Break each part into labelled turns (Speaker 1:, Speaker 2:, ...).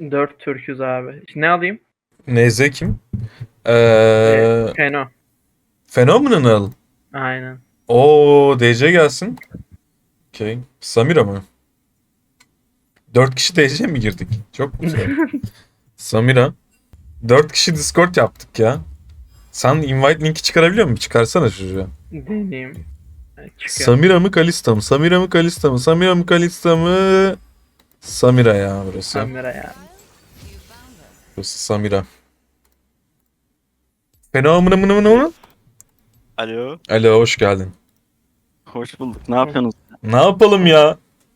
Speaker 1: 4 Türk'üz abi. Ne alayım?
Speaker 2: NZ kim?
Speaker 1: Feno.
Speaker 2: Phenomenal.
Speaker 1: Aynen.
Speaker 2: Oo, DC gelsin. Okay. Samira mı? 4 kişi DC mi girdik? Çok güzel. Samira. 4 kişi Discord yaptık ya. Sen invite linki çıkarabiliyor musun? Çıkarsana çocuğa.
Speaker 1: Deneyeyim. Çıkıyor.
Speaker 2: Samira mı Kalista mı? Samira mı Kalista mı? Samira mı Kalista mı? Samira ya burası.
Speaker 1: Kamera yani.
Speaker 2: Burası Samira. Phenomenal.
Speaker 3: Alo.
Speaker 2: Alo, hoş geldin.
Speaker 3: Hoş bulduk. Ne yapıyorsunuz?
Speaker 2: Ne yapalım ya?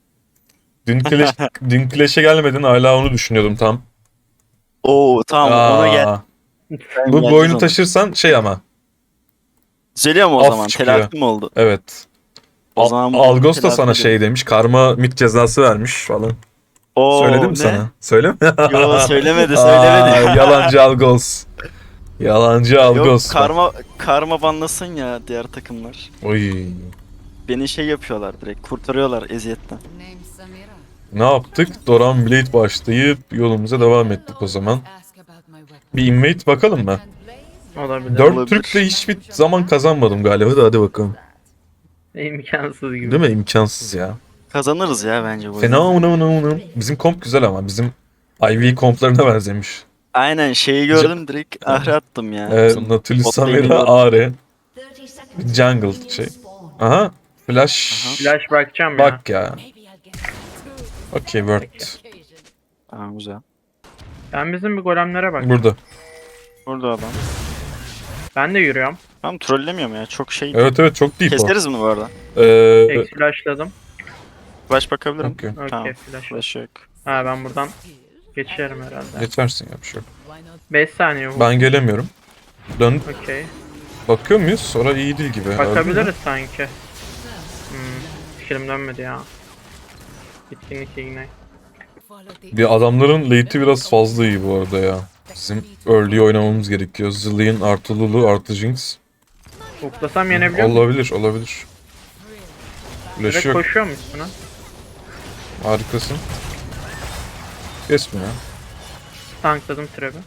Speaker 2: Dün Clash'e gelmedin, hala onu düşünüyordum tam.
Speaker 3: Oo tamam ona gel.
Speaker 2: Aa,
Speaker 3: Ben
Speaker 2: bu
Speaker 3: geleceğiz
Speaker 2: oyunu
Speaker 3: ona.
Speaker 2: taşırsan şey ama.
Speaker 3: Düzeliyor mu o
Speaker 2: Af
Speaker 3: zaman?
Speaker 2: çıkıyor.
Speaker 3: Telafi mi oldu?
Speaker 2: Evet.
Speaker 3: O zaman bu
Speaker 2: Algos da
Speaker 3: telafi
Speaker 2: sana
Speaker 3: edelim.
Speaker 2: şey demiş. Karma mit cezası vermiş falan.
Speaker 3: Oo
Speaker 2: Söyledi mi
Speaker 3: ne?
Speaker 2: sana? Söyle mi?
Speaker 3: Yo söylemedi
Speaker 2: Aa,
Speaker 3: söylemedi.
Speaker 2: yalancı Algos. Yalancı
Speaker 3: Yok
Speaker 2: Algos.
Speaker 3: karma banlasın ya diğer takımlar.
Speaker 2: Oy.
Speaker 3: Beni şey yapıyorlar direkt kurtarıyorlar eziyetten.
Speaker 4: Name Samira.
Speaker 2: Ne yaptık? Doran Blade başlayıp yolumuza devam ettik o zaman.
Speaker 4: Ask about my weapon.
Speaker 2: Bir invade bakalım mı?
Speaker 1: Olabilir.
Speaker 2: 4
Speaker 3: Olabilir.
Speaker 2: Türk'le hiçbir zaman kazanmadım galiba da hadi bakalım.
Speaker 1: İmkansız gibi.
Speaker 2: Değil mi? İmkansız ya.
Speaker 3: Kazanırız ya bence bu.
Speaker 2: Fena
Speaker 3: oyunu.
Speaker 2: mı? Bizim komp güzel ama bizim IV komplarına benzemiş.
Speaker 3: Aynen şeyi gördüm direkt ahre attım ya. Bizim
Speaker 2: Nautilus
Speaker 3: bot lane'i
Speaker 2: Samira
Speaker 3: gördüm.
Speaker 2: AR. Jungle şey. Aha. Flash.
Speaker 3: Aha.
Speaker 1: Flash bırakacağım ya.
Speaker 2: Bak ya.
Speaker 4: Maybe I'll get through
Speaker 2: Okay, word.
Speaker 4: occasion.
Speaker 3: Tamam güzel.
Speaker 1: Ben bizim bir golemlere bak.
Speaker 2: Burada.
Speaker 3: Burada adam.
Speaker 1: Ben de yürüyorum.
Speaker 3: Tamam trollemiyorum ya çok şey.
Speaker 2: Evet çok deep o.
Speaker 3: Keseriz bunu bu arada.
Speaker 1: Tek flashladım.
Speaker 3: Flash bakabilirim.
Speaker 2: Okay.
Speaker 1: Okey
Speaker 3: Tamam.
Speaker 1: flash.
Speaker 3: Flash yok.
Speaker 1: Ha ben buradan geçerim herhalde.
Speaker 2: Geçersin ya bir şey yok.
Speaker 4: Why not?
Speaker 1: 5 saniye bu.
Speaker 2: Ben gelemiyorum. Dön.
Speaker 1: Okey.
Speaker 2: Bakıyor muyuz? Sonra iyi değil gibi.
Speaker 1: Bakabiliriz sanki. Fikrim dönmedi ya. Bitkinlik ignite.
Speaker 4: Follow the
Speaker 2: Bir adamların late'i biraz fazla iyi bu arada ya. Bizim early oynamamız gerekiyor. Zillion artı Lulu artı Jinx.
Speaker 1: Huklasam yenebiliyor muyum?
Speaker 2: Olabilir. Flash
Speaker 1: Direkt
Speaker 2: yok.
Speaker 1: koşuyor musun buna?
Speaker 2: Harikasın. Kesme ya.
Speaker 1: Tankladım trap'i.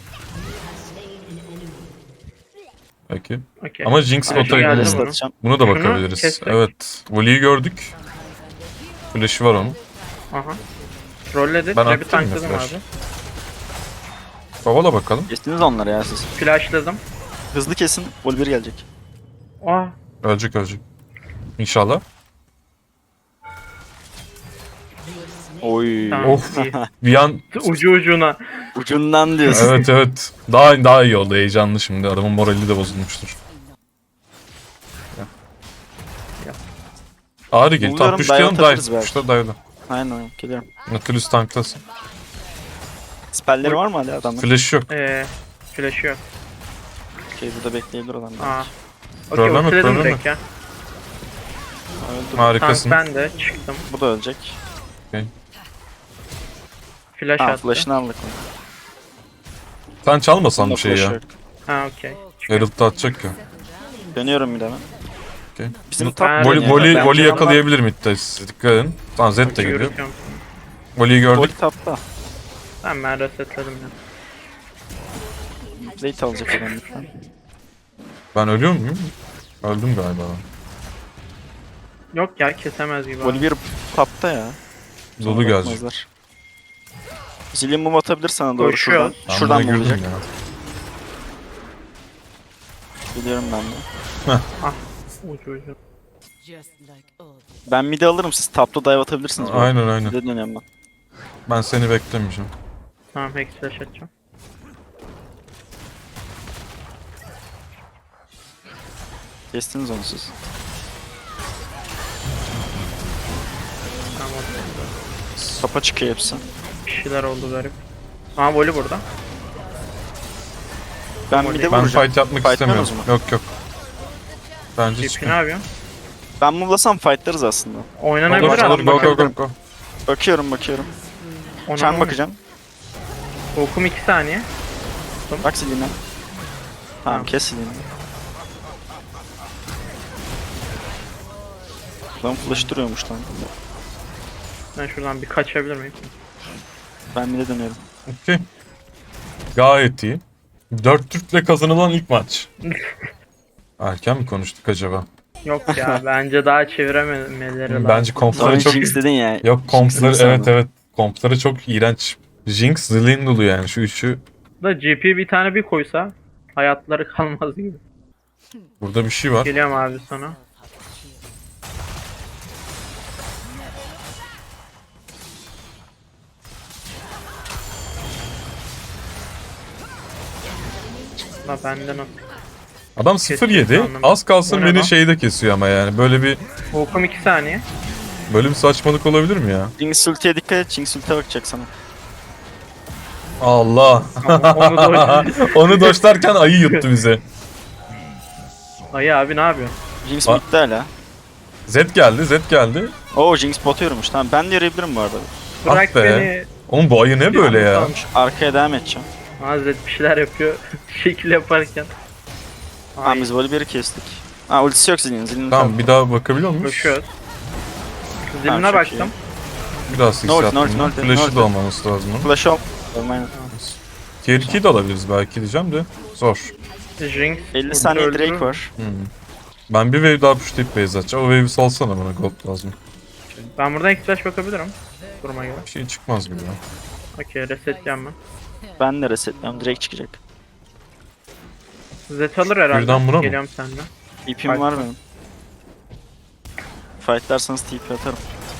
Speaker 2: Peki.
Speaker 1: Okey.
Speaker 2: Ama Jinx
Speaker 1: Ay,
Speaker 2: bota
Speaker 1: geldi
Speaker 2: gidelim.
Speaker 1: bunu.
Speaker 3: Atacağım.
Speaker 2: Buna da
Speaker 1: Şunu
Speaker 2: bakabiliriz.
Speaker 1: kestik.
Speaker 2: Evet. Voli'yi gördük. Flash'ı var onun.
Speaker 1: Aha. Trolledi.
Speaker 2: Ben
Speaker 1: Trap'i
Speaker 2: attım yine
Speaker 1: tankladım
Speaker 2: flash.
Speaker 1: abi.
Speaker 2: Kovala bakalım.
Speaker 3: Kestiniz onları ya siz.
Speaker 1: Flashladım.
Speaker 3: Hızlı kesin. Volver gelecek.
Speaker 1: Aa.
Speaker 2: Ölecek. İnşallah.
Speaker 3: Oy.
Speaker 1: Tamam.
Speaker 2: Of.
Speaker 1: iyi.
Speaker 2: Bir an
Speaker 1: Ucu ucuna.
Speaker 3: Ucundan diyorsun.
Speaker 2: evet. Daha iyi oldu. Heyecanlı şimdi. Adamın morali de bozulmuştur. Ağrı gel. Tam
Speaker 3: Umuyorum
Speaker 2: puşlayalım.
Speaker 3: dive atarız
Speaker 2: Dive.
Speaker 3: belki.
Speaker 2: Puşla dive'la.
Speaker 3: Aynen geliyorum.
Speaker 2: Nautilus tanktasın.
Speaker 3: Spellleri var mı hala adamın?
Speaker 2: Flash yok.
Speaker 1: Flash yok.
Speaker 3: Okey burada bekleyebilir adam.
Speaker 1: Aa. Okey
Speaker 2: Trolleme,
Speaker 1: ultiledim
Speaker 2: trolleme.
Speaker 1: direkt ya.
Speaker 3: Öldü.
Speaker 1: Tank
Speaker 2: Harikasın.
Speaker 1: ben de çıktım.
Speaker 3: Bu da ölecek.
Speaker 1: Flash
Speaker 3: Ha
Speaker 1: attı.
Speaker 3: flash'ını aldık.
Speaker 2: Sen çalmasan
Speaker 3: Bunda
Speaker 2: bir şey
Speaker 3: flash
Speaker 2: ya.
Speaker 3: yok.
Speaker 1: Ha okey.
Speaker 2: Herald da atacak ya.
Speaker 3: Dönüyorum bir de ben.
Speaker 2: Okay.
Speaker 3: Bizim
Speaker 2: Bunu-
Speaker 3: top
Speaker 1: Ben-
Speaker 3: dönüyor.
Speaker 2: Voli
Speaker 3: Bence
Speaker 2: yakalayabilir midde. Siz dikkat edin. Tamam Zed de geliyor.
Speaker 1: Yürütüyorum.
Speaker 2: Voli'yi
Speaker 3: onlar- Voli
Speaker 2: gördük.
Speaker 3: tapta.
Speaker 1: Tamam ben resetledim ya.
Speaker 3: Late alacak adam lütfen.
Speaker 2: Ben ölüyor muyum? Öldüm galiba.
Speaker 1: Yok ya kesemez gibi.
Speaker 3: Voli bir tapta ya.
Speaker 2: Dolu gelecek.
Speaker 3: Bakmazlar. Zillion mum atabilir sana doğru
Speaker 1: Koşuyor.
Speaker 3: şuradan.
Speaker 2: Ben
Speaker 3: Şuradan
Speaker 2: buna
Speaker 3: mı
Speaker 2: girdim
Speaker 3: olacak?
Speaker 2: ya.
Speaker 3: Biliyorum ben de.
Speaker 1: Ucu ucu.
Speaker 4: Just like old.
Speaker 3: Ben mid'i alırım siz tapta dive atabilirsiniz. bu arada.
Speaker 2: Aynen.
Speaker 3: Mid'e dönüyorum ben.
Speaker 2: Ben seni beklemeyeceğim.
Speaker 1: Tamam hex flash atacağım.
Speaker 3: Kestiniz onu siz.
Speaker 1: Tamam orada.
Speaker 3: Topa çıkıyor hepsi.
Speaker 1: Bir şeyler oldu garip. Aa voli burada.
Speaker 3: Ben mid'e
Speaker 2: Ben
Speaker 3: vuracağım.
Speaker 2: fight yapmak
Speaker 3: Fight
Speaker 2: istemiyorum.
Speaker 3: yapıyorsunuz
Speaker 2: Yok. Bence
Speaker 1: GP ne
Speaker 2: çıkın.
Speaker 1: yapıyorsun?
Speaker 3: Ben muvlasam fightlarız aslında.
Speaker 1: Oynanabilir
Speaker 2: Olur,
Speaker 1: aslında.
Speaker 2: go.
Speaker 3: Bakıyorum. Çan bakacağım.
Speaker 1: Okum 2 saniye.
Speaker 3: Bak Zillion'a. Tamam
Speaker 1: Tamam.
Speaker 3: kes Zillion'ı. Lan flash duruyormuş lan.
Speaker 1: Ben şuradan bir kaçabilir miyim?
Speaker 3: Ben mid'e dönüyorum.
Speaker 2: Okey. Gayet iyi. 4 Türk'le kazanılan ilk maç. Erken mi konuştuk acaba?
Speaker 1: Yok ya bence daha çevirememeleri lazım.
Speaker 2: Bence kompları
Speaker 3: Sonra
Speaker 2: çok...
Speaker 3: Jinx dedin ya.
Speaker 2: Yok kompları
Speaker 3: Jinx'in
Speaker 2: evet
Speaker 3: sandım.
Speaker 2: evet. Kompları çok iğrenç. Jinx, Zilindulu yani şu üçü.
Speaker 1: Da GP bir tane bir koysa hayatları kalmaz gibi.
Speaker 2: Burada bir şey var.
Speaker 1: Geliyorum abi sana. La benden o.
Speaker 2: Adam 0-7. Az kalsın
Speaker 1: O ne
Speaker 2: beni
Speaker 1: lan?
Speaker 2: şeyde kesiyor ama yani.
Speaker 1: Hukum 2 saniye.
Speaker 2: Böyle bir saçmalık olabilir mi ya?
Speaker 3: Jinx ultiye dikkat et. Jinx ultiye bakacak sana.
Speaker 2: Allah.
Speaker 1: Onu da
Speaker 2: Onu doşlarken ayı yuttu bize.
Speaker 1: Ayı abi ne yapıyorsun?
Speaker 3: Jinx
Speaker 2: Ba-
Speaker 3: bitti hala.
Speaker 2: Zed geldi, Zed geldi.
Speaker 3: Oo Jinx bot yormuş. Tamam ben de yarayabilirim bu arada.
Speaker 1: Bırak
Speaker 2: Ah be.
Speaker 1: beni.
Speaker 2: Oğlum bu ayı ne böyle ya?
Speaker 3: Tamam, şu arkaya devam edeceğim.
Speaker 1: Hazret bir şeyler yapıyor. Şekil yaparken.
Speaker 3: Tamam
Speaker 1: Ay,
Speaker 3: biz Volibear'ı kestik. Ha ultisi yok Zill'in. Zill'in
Speaker 2: Tamam bir daha bakabiliyor muyuz?
Speaker 1: koşuyoruz. Ziline
Speaker 3: çok
Speaker 1: baktım.
Speaker 2: Biraz
Speaker 3: North,
Speaker 2: hissiyatım.
Speaker 3: North,
Speaker 2: Flash'ı
Speaker 3: North.
Speaker 2: da olmaması lazım.
Speaker 3: Flash ol. Olmayın.
Speaker 2: Tier 2'yi de alabiliriz belki diyeceğim de. Zor.
Speaker 1: Jinx.
Speaker 3: 50 saniye
Speaker 1: öldü.
Speaker 3: Drake var.
Speaker 2: Ben bir wave daha pushlayıp base atacağım. O wave'i salsana bana, gold lazım.
Speaker 1: Ben buradan ilk flash bakabilirim. Duruma göre.
Speaker 2: Bir şey çıkmaz gibi ya.
Speaker 1: Okey resetleyeceğim ben.
Speaker 3: Ben de resetliyorum. Drake çıkacak.
Speaker 1: Zed alır herhalde.
Speaker 2: Birden buna mı?
Speaker 1: Geliyorum senden.
Speaker 3: TP'm var benim. Fightlarsanız TP atarım.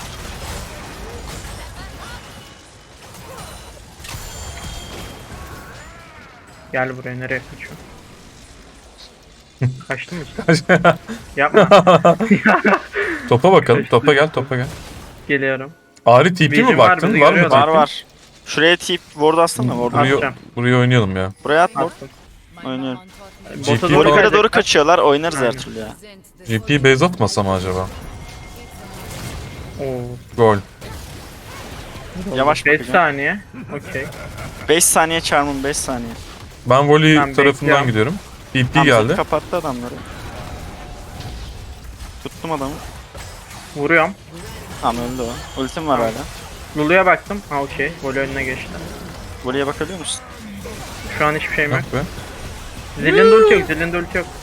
Speaker 1: Gel buraya nereye kaçıyorsun? Kaçtın mı işte? Yapma.
Speaker 2: Topa bakalım. Topa gel, topa gel.
Speaker 1: Geliyorum.
Speaker 2: Ari TP mi
Speaker 1: Vision var,
Speaker 2: baktın?
Speaker 1: bizi
Speaker 2: Var mı
Speaker 1: görüyorlar.
Speaker 3: Var
Speaker 2: TP?
Speaker 3: var. Şuraya TP ward atsana ward.
Speaker 2: Buraya,
Speaker 1: Atacağım.
Speaker 2: buraya oynayalım ya.
Speaker 3: Buraya at ward.
Speaker 1: Attım.
Speaker 3: Oynuyorum.
Speaker 1: Bota
Speaker 2: GP
Speaker 1: doğru
Speaker 2: falan-
Speaker 3: Yukarı doğru
Speaker 1: gelecekler.
Speaker 3: kaçıyorlar. Oynarız her
Speaker 1: Aynen.
Speaker 3: türlü ya.
Speaker 2: GP base atmasa mı acaba?
Speaker 1: Oo.
Speaker 2: Gol.
Speaker 3: Yavaş
Speaker 1: 5
Speaker 3: bakacağım.
Speaker 1: saniye. Okey.
Speaker 3: 5 saniye charm'ım 5 saniye.
Speaker 2: Ben volley
Speaker 1: Ben
Speaker 2: tarafından
Speaker 1: bekliyorum.
Speaker 2: gidiyorum. TP
Speaker 3: Hamza
Speaker 2: geldi.
Speaker 3: kapattı adamları. Tuttum adamı.
Speaker 1: Vuruyorum.
Speaker 3: Tamam öldü o. Ultim var
Speaker 1: Tamam.
Speaker 3: hala.
Speaker 1: Lulu'ya baktım. Ha okey. Voley önüne geçti.
Speaker 3: Voley'e bakabiliyor musun?
Speaker 1: Şu an hiçbir şeyim yok.
Speaker 2: Bak be.
Speaker 1: Zillin de ulti yok. Zillin de ulti yok.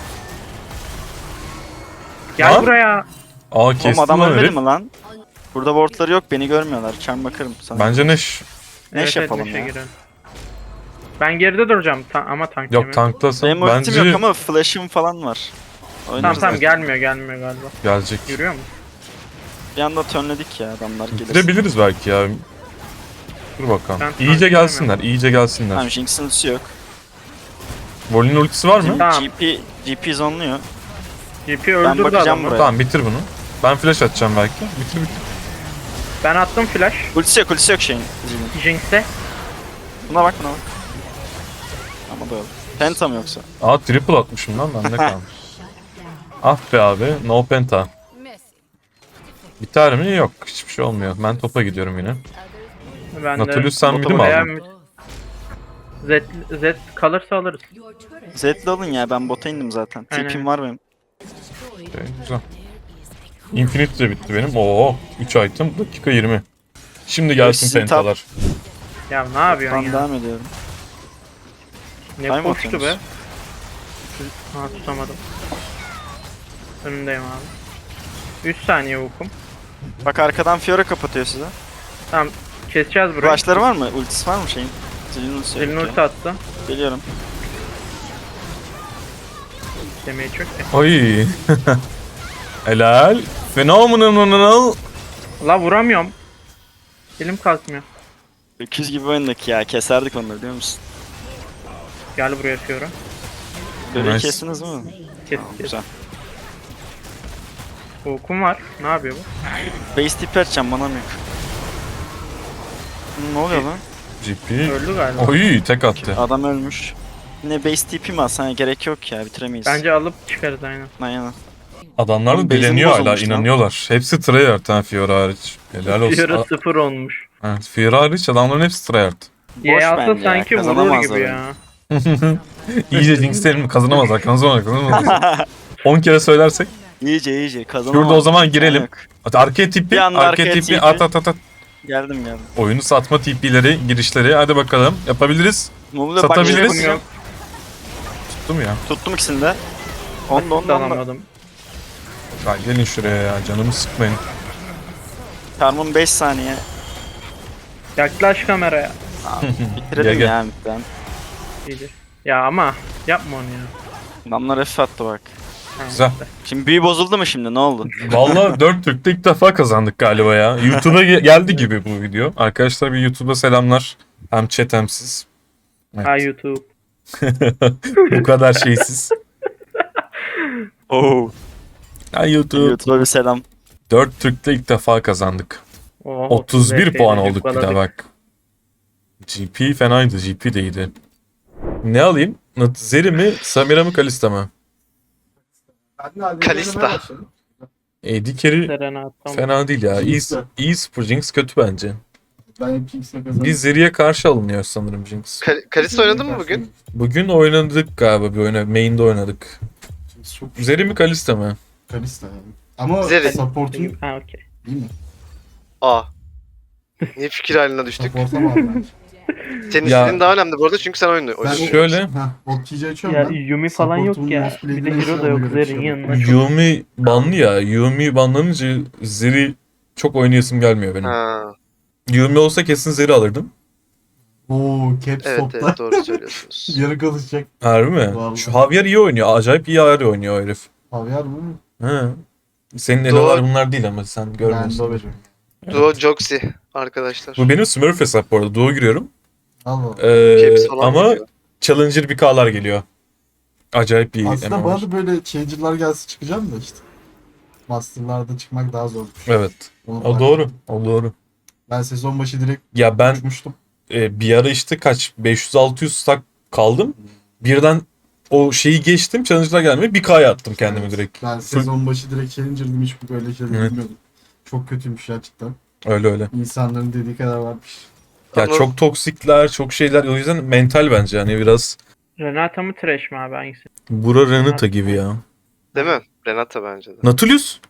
Speaker 1: Gel
Speaker 2: Lan.
Speaker 1: buraya.
Speaker 2: Aa
Speaker 3: Oğlum
Speaker 2: kestim
Speaker 3: adam
Speaker 2: lan
Speaker 3: ölmedi
Speaker 2: herif.
Speaker 3: mi lan? Burada wardları yok beni görmüyorlar. Charm bakarım sana.
Speaker 2: Bence Neş.
Speaker 3: Neş yapalım
Speaker 1: Neşe
Speaker 3: ya.
Speaker 1: girelim. Ben geride duracağım ama tank
Speaker 2: Yok
Speaker 1: yemiyorum.
Speaker 2: tanklasın.
Speaker 3: Benim ultim
Speaker 2: Bence
Speaker 3: yok ama flash'ım falan var.
Speaker 1: Tamam
Speaker 3: Oynarız
Speaker 1: tamam
Speaker 3: artık.
Speaker 1: gelmiyor galiba.
Speaker 2: gelecek.
Speaker 1: Yürüyor mu?
Speaker 3: Bir anda turnledik ya adamlar gelir.
Speaker 2: Bitirebiliriz belki ya. Dur bakalım.
Speaker 1: Ben
Speaker 2: İyice
Speaker 1: takip
Speaker 2: gelsinler,
Speaker 1: edemiyorum.
Speaker 2: iyice gelsinler.
Speaker 3: Tamam Jinx'in ultisi yok.
Speaker 2: Vol'ün ultisi var mı?
Speaker 1: Tamam.
Speaker 3: GP zonluyor.
Speaker 1: GP öldürdü
Speaker 3: bakacağım
Speaker 1: adamı.
Speaker 3: buraya.
Speaker 2: Tamam bitir bunu. Ben flash atacağım belki. Bitir bitir.
Speaker 1: Ben attım flash.
Speaker 3: Ultisi yok şeyin. Jinx'in.
Speaker 1: Jinx'e.
Speaker 3: Buna bak. Ama da öyle. Penta mı yoksa?
Speaker 2: Aa triple atmışım lan bende kalmış. Ah be abi, no penta.
Speaker 4: Messi.
Speaker 2: Biter mi? Yok, hiçbir şey olmuyor. Ben topa gidiyorum yine.
Speaker 1: Ben
Speaker 2: Nautilus sen
Speaker 3: Botu
Speaker 2: midi mi
Speaker 1: Veya
Speaker 2: aldın?
Speaker 1: Z kalırsa alırız.
Speaker 3: Zed'li alın ya ben bota indim zaten.
Speaker 1: Aynen.
Speaker 3: TP'm var benim.
Speaker 2: Okay, güzel. Infinite de bitti benim. Oo, 3 item, dakika 20. Şimdi gelsin
Speaker 3: Sizin
Speaker 2: pentalar.
Speaker 1: Ya ne yapıyorsun
Speaker 3: Ben
Speaker 1: ya?
Speaker 3: devam ediyorum.
Speaker 1: Ne
Speaker 3: Time
Speaker 1: koştu be?
Speaker 3: atıyorsunuz.
Speaker 1: Ha tutamadım. Önündeyim abi. 3 saniye hukum.
Speaker 3: Bak arkadan Fiora kapatıyor size.
Speaker 1: Tamam keseceğiz burayı.
Speaker 3: Flash'ları var mı? Ultisi var mı şeyin? Zilin ultisi yok
Speaker 1: Elini
Speaker 3: ya.
Speaker 1: ulti attı.
Speaker 3: Geliyorum.
Speaker 1: Demeyi çok ya.
Speaker 2: Oy. Helal. Phenomenal.
Speaker 1: La vuramıyorum. Elim kalkmıyor.
Speaker 3: Öküz gibi oynadık ya. Keserdik onları biliyor musun?
Speaker 1: Gel buraya Fiora.
Speaker 3: Böyle
Speaker 2: Nice.
Speaker 3: kestiniz mi?
Speaker 1: Kes
Speaker 3: Tamam,
Speaker 1: kes.
Speaker 3: güzel.
Speaker 1: Hukum var. Ne yapıyor bu?
Speaker 3: Base tip açacağım manam yok. Ne oluyor lan?
Speaker 2: GP.
Speaker 1: Öldü galiba.
Speaker 2: Oy tek attı.
Speaker 3: Adam ölmüş. Yine base tipi mi alsana gerek yok ya bitiremeyiz.
Speaker 1: Bence alıp çıkarız aynen.
Speaker 3: Aynen.
Speaker 2: Adamlar da
Speaker 3: Oğlum, base'im
Speaker 2: dileniyor hala,
Speaker 3: bozulmuş lan.
Speaker 2: inanıyorlar. Hepsi tryhard ha Fiora hariç. Helal olsun.
Speaker 1: Fiora 0 olmuş.
Speaker 2: Evet, Fiora hariç adamların hepsi tryhard.
Speaker 1: Ye alsa
Speaker 3: bence ya,
Speaker 1: sanki vurur
Speaker 3: kazanamazlar
Speaker 1: gibi
Speaker 3: yani.
Speaker 1: ya.
Speaker 2: İyice jinxlerim kazanamazlar, kazanamazlar. 10 kere söylersek.
Speaker 3: İyice kazanamaz.
Speaker 2: Şurada o zaman girelim.
Speaker 3: Yok.
Speaker 2: Arkaya tipi,
Speaker 3: Bir anda
Speaker 2: arkaya
Speaker 3: arkaya
Speaker 2: tipi,
Speaker 3: tipi.
Speaker 2: at.
Speaker 3: Geldim.
Speaker 2: Oyunu satma TP'leri, girişleri. Hadi bakalım. Yapabiliriz.
Speaker 3: Mumla
Speaker 2: Satabiliriz.
Speaker 3: bak, yok.
Speaker 2: Tuttum ya.
Speaker 3: Tuttum ikisini de. Onda.
Speaker 1: Alamadım.
Speaker 2: Ya gelin şuraya ya. Canımı sıkmayın.
Speaker 3: Karmon 5 saniye.
Speaker 1: Yaklaş kameraya.
Speaker 3: Bitirelim
Speaker 2: Gel.
Speaker 3: ya midden.
Speaker 1: İyidir. Ya ama yapma onu ya.
Speaker 3: Adamlar F attı bak.
Speaker 1: Ha,
Speaker 2: Güzel.
Speaker 1: işte.
Speaker 3: Şimdi büyü bozuldu mu şimdi, ne oldu?
Speaker 2: Vallahi 4 Türk'te ilk defa kazandık galiba ya. YouTube'a geldi gibi bu video. Arkadaşlar bir YouTube'a selamlar. Hem chat hem siz.
Speaker 1: Ha YouTube.
Speaker 2: Bu kadar şeysiz.
Speaker 3: Oo.
Speaker 2: Ha YouTube.
Speaker 3: YouTube'a bir selam.
Speaker 2: 4 Türk'te ilk defa kazandık.
Speaker 1: Oh,
Speaker 2: 31 puan olduk bir
Speaker 1: cıkkaladık.
Speaker 2: daha bak. GP fenaydı. GP de iyiydi. Ne alayım? Zeri mi? Samira mı? Kalista mı?
Speaker 5: Kalista.
Speaker 2: AD carry
Speaker 1: Serena, tamam.
Speaker 2: fena değil ya.
Speaker 5: Jinx de.
Speaker 2: İyi spor. Jinx kötü bence.
Speaker 5: Ben hep Kings'le kazandım.
Speaker 2: Biz Zeri'ye karşı alınıyor sanırım Jinx.
Speaker 6: Kalista oynadın mı bugün?
Speaker 2: Bugün oynadık galiba bir oyuna. Main'de oynadık.
Speaker 5: Çok
Speaker 2: Zeri mi Kalista mı?
Speaker 5: Kalista yani. Ama
Speaker 6: Zeri.
Speaker 5: support'un
Speaker 1: Ha okey.
Speaker 5: iyi mi?
Speaker 6: Aa. Niye fikir haline düştük?
Speaker 5: Support'a mı abi bence?
Speaker 6: Senin
Speaker 2: Ya-
Speaker 6: istediğin daha önemli bu arada çünkü sen oynuyorsun.
Speaker 5: Ben
Speaker 2: Şöyle.
Speaker 5: Bot TC açıyorum
Speaker 1: Ya
Speaker 5: ben.
Speaker 1: Yumi falan yok
Speaker 5: Support'un
Speaker 1: ya.
Speaker 5: most
Speaker 1: Bir de
Speaker 5: played'ine
Speaker 1: hero da yok
Speaker 5: ona göre
Speaker 1: Zer'in
Speaker 5: açıyorum.
Speaker 1: yanına. Çok...
Speaker 2: Yumi banlı ya. Yumi banlanınca Zeri çok oynayasım gelmiyor benim.
Speaker 6: Ha.
Speaker 2: Yumi olsa kesin Zeri alırdım.
Speaker 5: Oo, caps
Speaker 6: Evet
Speaker 5: topta.
Speaker 6: evet doğru söylüyorsunuz.
Speaker 5: Yarı kalacak.
Speaker 2: Harbi mi?
Speaker 5: Vallahi.
Speaker 2: Şu Javier iyi oynuyor. Acayip iyi ayar oynuyor o herif.
Speaker 5: Havyar mı?
Speaker 2: He. Senin
Speaker 6: Doğru.
Speaker 2: eleler bunlar değil ama sen
Speaker 5: Ben de
Speaker 2: görmüyorsun.
Speaker 5: veriyorum.
Speaker 6: Duo Joxy arkadaşlar.
Speaker 2: Bu benim Smurf hesap bu arada. Duo giriyorum.
Speaker 5: Allah.
Speaker 6: Caps falan
Speaker 2: Ama
Speaker 6: geliyor.
Speaker 2: Challenger 1K'lar geliyor. Acayip iyi.
Speaker 5: Aslında
Speaker 2: MMO.
Speaker 5: bana da böyle changer'lar gelse çıkacağım da işte. Master'larda çıkmak daha zor.
Speaker 2: Evet.
Speaker 5: Onu
Speaker 2: O
Speaker 5: fark
Speaker 2: doğru.
Speaker 5: ettim.
Speaker 2: O doğru.
Speaker 5: Ben sezon başı direkt
Speaker 2: Ya ben
Speaker 5: uçmuştum.
Speaker 2: bir ara işte kaç 500-600 stack kaldım. Birden o şeyi geçtim. Challenger'lar gelmeye 1K'ya attım kendimi
Speaker 5: Evet.
Speaker 2: direkt.
Speaker 5: Ben sezon başı direkt challenger'dım, hiç böyle şeyler
Speaker 2: Evet.
Speaker 5: bilmiyordum. Çok kötüymüş gerçekten.
Speaker 2: Öyle öyle.
Speaker 5: İnsanların dediği kadar varmış.
Speaker 2: Ya
Speaker 6: Anladım.
Speaker 2: çok toksikler, çok şeyler. O yüzden mental bence. Hani biraz
Speaker 1: Renata mı Thresh mi abi hangisi?
Speaker 2: Bura Renata gibi ya.
Speaker 6: Değil mi? Renata bence de.
Speaker 2: Nautilus?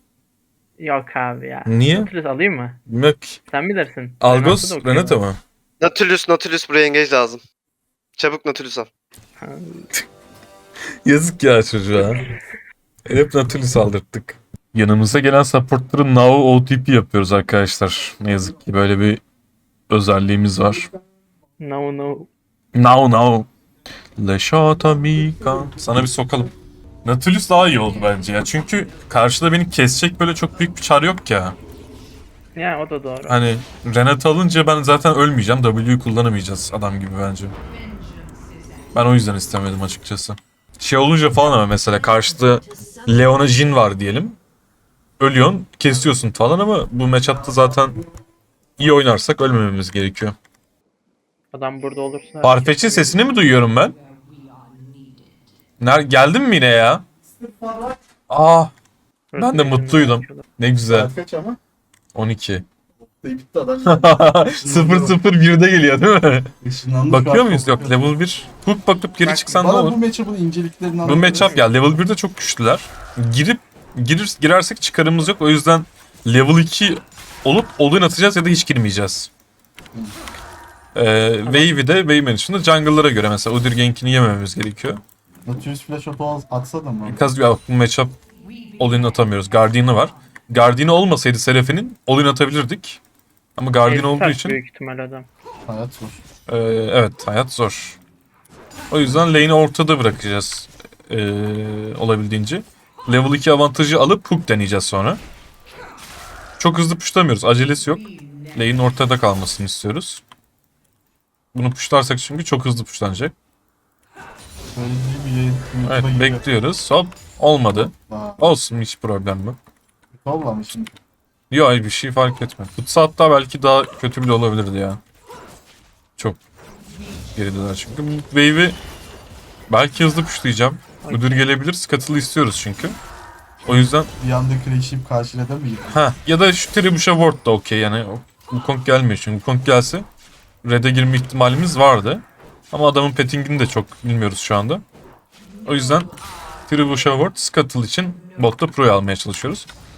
Speaker 1: Yok abi ya.
Speaker 2: Niye?
Speaker 1: Nautilus alayım mı?
Speaker 2: Bilmem ki.
Speaker 1: Sen bilirsin.
Speaker 2: Algos,
Speaker 1: Renata da okey
Speaker 2: Renata
Speaker 1: bana.
Speaker 2: mı?
Speaker 6: Nautilus buraya engage lazım. Çabuk Nautilus al.
Speaker 1: Ha,
Speaker 2: Yazık ya çocuğa. Hep Nautilus aldırttık. Yanımıza gelen supportları now OTP yapıyoruz arkadaşlar. Ne yazık ki böyle bir özelliğimiz var.
Speaker 1: No.
Speaker 2: Now. Le shot amica. Sana bir sokalım. Nautilus daha iyi oldu bence ya. Çünkü karşıda beni kesecek böyle çok büyük bir çar yok ya.
Speaker 1: Ya o da doğru.
Speaker 2: Hani Renata alınca ben zaten ölmeyeceğim. W'yu kullanamayacağız adam gibi bence. Ben o yüzden istemedim açıkçası. Şey olunca falan ama mesela karşıda Leona Jhin var diyelim. Ölüyorsun, kesiyorsun falan ama bu matchup'ta zaten iyi oynarsak ölmememiz gerekiyor.
Speaker 1: Adam burada olursa.
Speaker 2: Farfetch'in sesini mi duyuyorum ben? Geldin mi yine ya? Ben de mutluydum. Ne güzel.
Speaker 5: Saat kaç ama?
Speaker 2: 12.
Speaker 5: Bitti adam.
Speaker 2: 0-0-1'de geliyor değil mi?
Speaker 5: Işınlandı
Speaker 2: Bakıyor
Speaker 5: şu an,
Speaker 2: muyuz?
Speaker 5: çok
Speaker 2: Yok level 1. Hook bakıp geri
Speaker 1: Bak,
Speaker 2: çıksan ne
Speaker 5: Bana
Speaker 2: olur?
Speaker 5: bu matchup'ın inceliklerini
Speaker 2: Bu
Speaker 5: anlatır
Speaker 2: matchup
Speaker 5: mısın?
Speaker 2: ya level 1'de çok güçlüler. Girersek çıkarımız yok. O yüzden level 2 olup all-in atacağız ya da hiç girmeyeceğiz. Wave'i de Wave Management'da jungle'lara göre mesela Udyr Gank'ini yemememiz gerekiyor.
Speaker 5: Nautilus flash auto atsa da mı?
Speaker 2: Biraz ya bu matchup all-in atamıyoruz. Guardian'ı var. Guardian'ı olmasaydı Seraphinin all-in atabilirdik. Ama Guardian olduğu için
Speaker 1: Büyük ihtimal adam.
Speaker 5: Hayat zor.
Speaker 2: evet hayat zor. O yüzden lane'i ortada bırakacağız olabildiğince. Level 2 avantajı alıp hook deneyeceğiz sonra. Çok hızlı pushlamıyoruz. Acelesi yok. Lane'in ortada kalmasını istiyoruz. Bunu pushlarsak çünkü çok hızlı pushlanacak.
Speaker 5: Söylediği bir yayın.
Speaker 2: Evet
Speaker 5: YouTube'a giriyor.
Speaker 2: bekliyoruz. Hop olmadı.
Speaker 5: Aa,
Speaker 2: Olsun hiç problem yok.
Speaker 5: Vallahi mi şimdi?
Speaker 2: Yok bir şey fark etmez. Futsa hatta belki daha kötü bile olabilirdi ya. Çok gerideler çünkü. Bu wave'i belki hızlı pushlayacağım. Müdür gelebilir. Scuttle'ı istiyoruz çünkü. O yüzden
Speaker 5: Bir anda crash'ip karşıladı mı?
Speaker 2: ya da şu Trebuchet Ward da okey yani. Wukong gelmiyor çünkü. Wukong gelse Red'e girme ihtimalimiz vardı. Ama adamın pettingini de çok bilmiyoruz şu anda. O yüzden Trebuchet Ward Scuttle için botta Pro'yu almaya çalışıyoruz.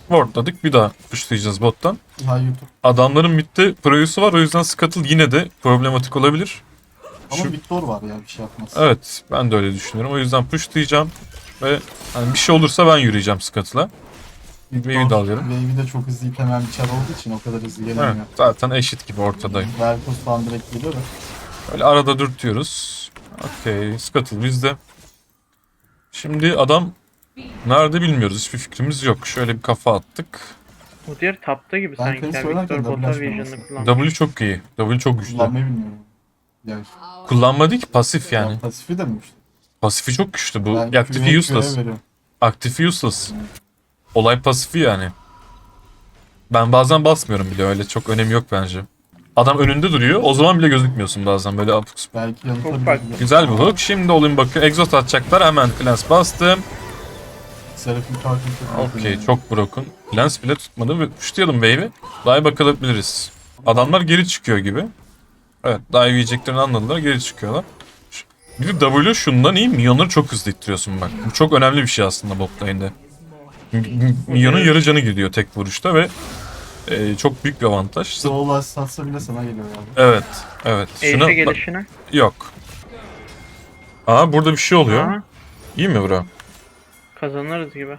Speaker 2: Wardladık. Bir daha pushlayacağız bottan.
Speaker 5: Ha YouTube.
Speaker 2: Adamların midde Pro'yusu var. O yüzden Scuttle yine de problematik olabilir.
Speaker 5: Ama
Speaker 2: Şu-
Speaker 5: Victor var ya bir şey yapmaz.
Speaker 2: Evet. Ben de öyle düşünüyorum. O yüzden pushlayacağım. Ve hani bir şey olursa ben yürüyeceğim Scuttle'a. Wave'i de alıyorum.
Speaker 5: Wave'i de çok hızlı itemen bir çar olduğu için o kadar hızlı
Speaker 2: Evet,
Speaker 5: gelemiyor.
Speaker 2: zaten eşit gibi ortadayım.
Speaker 5: Velkos falan direkt geliyor da.
Speaker 2: Öyle arada dürtüyoruz. Okey. Scuttle bizde. Şimdi adam nerede bilmiyoruz. Hiçbir fikrimiz yok. Şöyle bir kafa attık.
Speaker 1: O diğer tapta gibi
Speaker 5: Ben
Speaker 1: sanki.
Speaker 5: Chris
Speaker 1: Yani
Speaker 5: oynarken
Speaker 1: Victor
Speaker 5: double
Speaker 1: bota
Speaker 5: açmam
Speaker 1: vision'ını
Speaker 5: aslında.
Speaker 1: kullanmış.
Speaker 2: W çok iyi. W çok güçlü.
Speaker 5: Kullanmayı bilmiyorum. Yani.
Speaker 2: Kullanma değil ki pasif yani.
Speaker 5: Pasifi de mi işte?
Speaker 2: Pasifi çok güçlü bu.
Speaker 5: Ben
Speaker 2: Aktifi
Speaker 5: Q'ya
Speaker 2: useless.
Speaker 5: veriyorum.
Speaker 2: Aktifi useless. Olay pasifi yani. Ben bazen basmıyorum bile, öyle çok önemi yok bence. Adam önünde duruyor, o zaman bile gözükmüyorsun bazen böyle abuk subuk.
Speaker 5: Belki
Speaker 1: Çok
Speaker 5: yanıtabilir.
Speaker 1: farklı.
Speaker 2: Güzel bir hook. Şimdi olayım bakıyor. Exhaust atacaklar. Hemen Clans bastım.
Speaker 5: Seraphim kartını çok
Speaker 2: Okey, çok broken. Clans bile tutmadı ve pushlayalım wave'i. Dive bakabiliriz. Adamlar geri çıkıyor gibi. Evet, dive yiyeceklerini anladılar, geri çıkıyorlar. Bir de W şundan iyi, minyonları çok hızlı ittiriyorsun bak. Bu çok önemli bir şey aslında bot lane'de. Minyonun yarı canı gidiyor tek vuruşta ve çok büyük bir avantaj.
Speaker 5: Soul satsa bile sana geliyor yani.
Speaker 2: Evet, evet. Şuna
Speaker 1: Eğişe
Speaker 2: bak-
Speaker 1: gelişine.
Speaker 2: yok. Aa, burada bir şey oluyor.
Speaker 1: Aha,
Speaker 2: İyi mi bro?
Speaker 1: kazanırız gibi.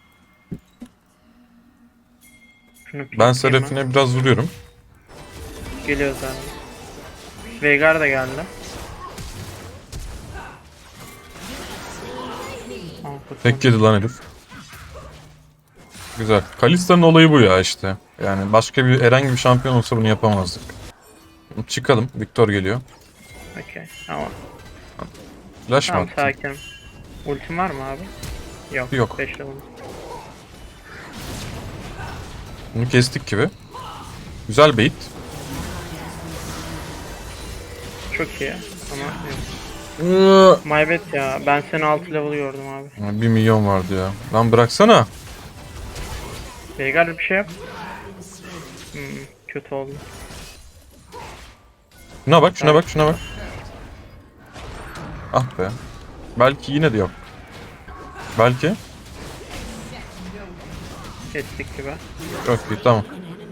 Speaker 1: Şunu
Speaker 2: Ben
Speaker 1: pikleyeyim
Speaker 2: Seraphine biraz vuruyorum.
Speaker 1: Geliyor zaten. Veigar da geldi. Aa,
Speaker 2: Tek yedi lan herif. Güzel. Kalista'nın olayı bu ya işte. Yani başka bir herhangi bir şampiyon olsa bunu yapamazdık. Çıkalım. Victor geliyor.
Speaker 1: Okey. Tamam.
Speaker 2: Flash mı
Speaker 1: Tamam
Speaker 2: attın?
Speaker 1: sakinim. Ultim var mı abi? Yok.
Speaker 2: Yok.
Speaker 1: 5 level.
Speaker 2: Bunu kestik gibi. Güzel bait.
Speaker 1: Çok iyi. Ama yok. My bad ya. Ben seni 6 level gördüm abi.
Speaker 2: 1 milyon vardı ya. Lan bıraksana.
Speaker 1: Veigar bir şey yap. Kötü oldu.
Speaker 2: Şuna bak, şuna bak, şuna bak. Ah be. Belki yine de yok. Belki.
Speaker 1: Kestik gibi.
Speaker 2: Çok iyi, tamam.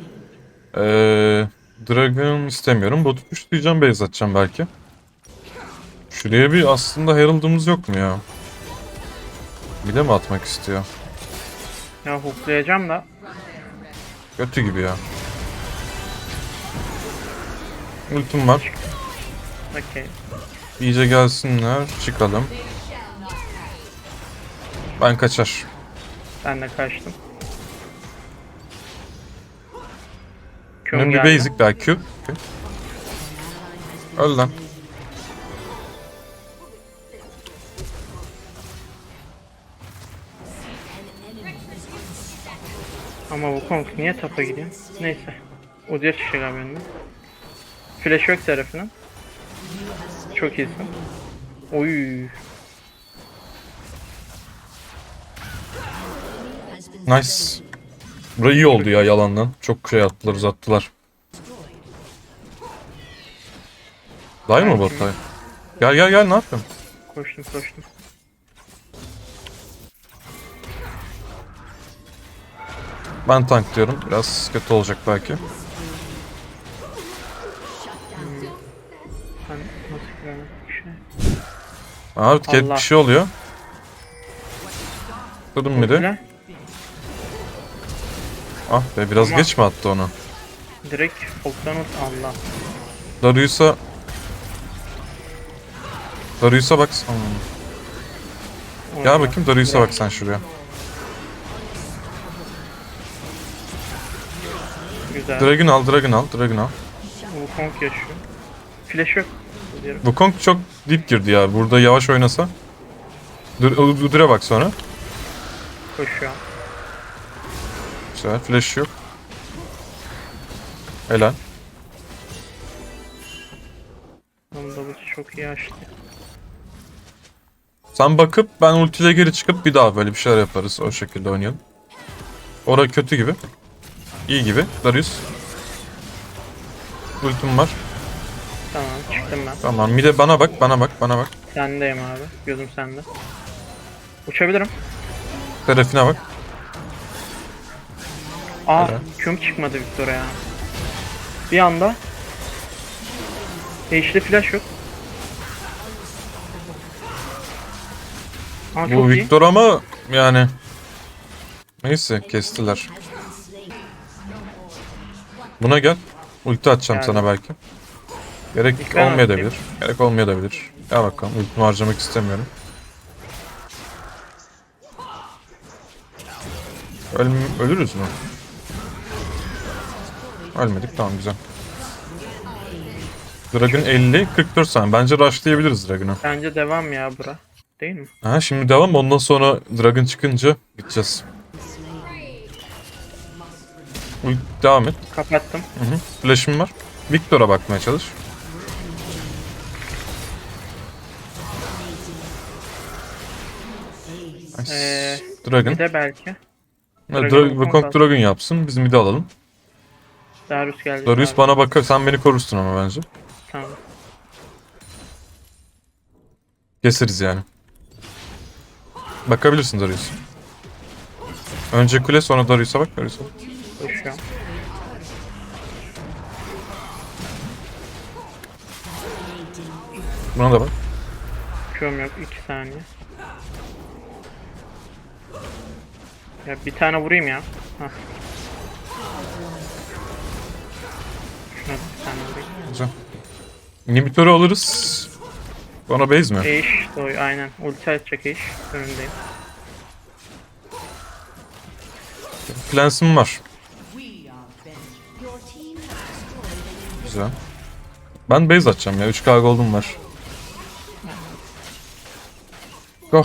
Speaker 2: Dragon istemiyorum. Botu pushlayacağım, base atacağım belki. Şuraya bir aslında Herald'ımız yok mu ya? Bir de mi atmak istiyor?
Speaker 1: Ya hooklayacağım da.
Speaker 2: Kötü gibi ya. Ultim var.
Speaker 1: Okey.
Speaker 2: İyice gelsinler. Çıkalım. Ben kaçar.
Speaker 1: Ben de kaçtım.
Speaker 2: Benim bir
Speaker 1: geldi.
Speaker 2: basic daha Q. Okay. Öl lan.
Speaker 1: Ama bu Kong niye tapa gidiyor? Neyse. O diğer şişe galiba önüne. Flash yok tarafının. Çok iyisin. Oy.
Speaker 2: Nice. Burası iyi oldu ya yalandan. Çok şey attılar, uzattılar. Day mı bot day? Gel gel gel, ne yapıyorsun?
Speaker 1: Koştum.
Speaker 2: Ben tank diyorum. Biraz kötü olacak belki.
Speaker 1: Ben nasıl giremedim bir şey.
Speaker 2: Abi cat
Speaker 1: Allah.
Speaker 2: bir şey oluyor. Kırdım mıydı?
Speaker 1: Ultiyle
Speaker 2: Ah be, biraz
Speaker 1: Ama-
Speaker 2: geç mi attı onu?
Speaker 1: direkt Hulk'tan Allah.
Speaker 2: Darius'a bak. Gel
Speaker 1: Orada.
Speaker 2: bakayım, Darius'a bak sen şuraya.
Speaker 1: Güzel.
Speaker 2: Dragon al.
Speaker 1: Wukong yaşıyor. Flash yok. Diyorum.
Speaker 2: Wukong çok deep girdi ya. Burada yavaş oynasa. Udur'a bak sonra.
Speaker 1: Koşuyor.
Speaker 2: Güzel. Flash yok. Helal.
Speaker 1: Onun da bu çok iyi açtı.
Speaker 2: Sen bakıp ben ultiyle geri çıkıp bir daha böyle bir şeyler yaparız. O şekilde oynayalım. Ora kötü gibi. İyi gibi. Darius. Ultim var.
Speaker 1: Tamam çıktım ben.
Speaker 2: Tamam. Bir de bana bak.
Speaker 1: Sendeyim abi. Gözüm sende. Uçabilirim.
Speaker 2: Serafine bak.
Speaker 1: Aa
Speaker 2: Helal.
Speaker 1: küm çıkmadı Victor'a ya. Bir anda. Eşli flash yok. Aa,
Speaker 2: Bu
Speaker 1: çok iyi.
Speaker 2: Victor ama yani neyse kestiler. Buna gel. Ulti atacağım
Speaker 1: Geldim.
Speaker 2: sana belki. Gerek
Speaker 1: İlk ben
Speaker 2: olmayabilir. Gerek olmayabilir. Gel bakalım. Ultimi harcamak istemiyorum. Ölürüz mü? Ölmedik. Tamam güzel. Dragon 50, 44 saniye. Bence rushlayabiliriz Dragon'u.
Speaker 1: Bence devam ya bura. Değil mi?
Speaker 2: Ha şimdi devam. Ondan sonra Dragon çıkınca gideceğiz. Devam et.
Speaker 1: Kapattım.
Speaker 2: Hı hı. Flash'ım var. Victor'a bakmaya çalış. Nice. Dragon.
Speaker 1: Bir de belki.
Speaker 2: Ha,
Speaker 1: Dragon'un
Speaker 2: Wukong
Speaker 1: kontrol.
Speaker 2: Dragon yapsın. Biz mid'i alalım.
Speaker 1: Darius geldi.
Speaker 2: Darius bana bakar. Sen beni korursun ama bence.
Speaker 1: Tamam.
Speaker 2: Keseriz yani. Bakabilirsin Darius. Önce kule sonra Darius'a bak. Darius'a bak.
Speaker 1: Koşuyorum.
Speaker 2: Buna da bak.
Speaker 1: Küm yok 2 saniye. Ya bir tane vurayım ya. Hah. Şuna bir tane vurayım.
Speaker 2: Güzel. İnhibitörü alırız. Bana base mi?
Speaker 1: Eş doy aynen. Ulti atacak eş. Önündeyim.
Speaker 2: Plans'ım var. Güzel. Ben base atacağım ya. 3K gold'um var. Go.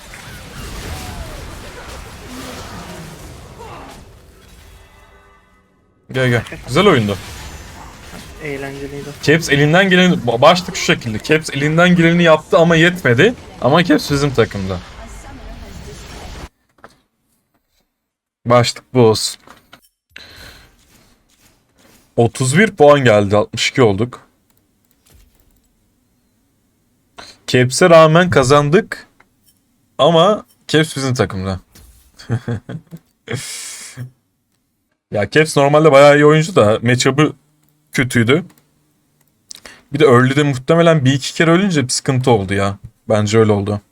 Speaker 2: Gel gel. Güzel oyundu.
Speaker 1: Eğlenceliydi.
Speaker 2: Caps elinden geleni... Başlık şu şekilde. Caps elinden geleni yaptı ama yetmedi. Ama Caps bizim takımda. Başlık bu olsun. 31 puan geldi. 62 olduk. Caps'e rağmen kazandık. Ama Caps bizim takımda. Ya Caps normalde bayağı iyi oyuncu da matchup'ı kötüydü. Bir de early'de muhtemelen bir iki kere ölünce bir sıkıntı oldu ya. Bence öyle oldu.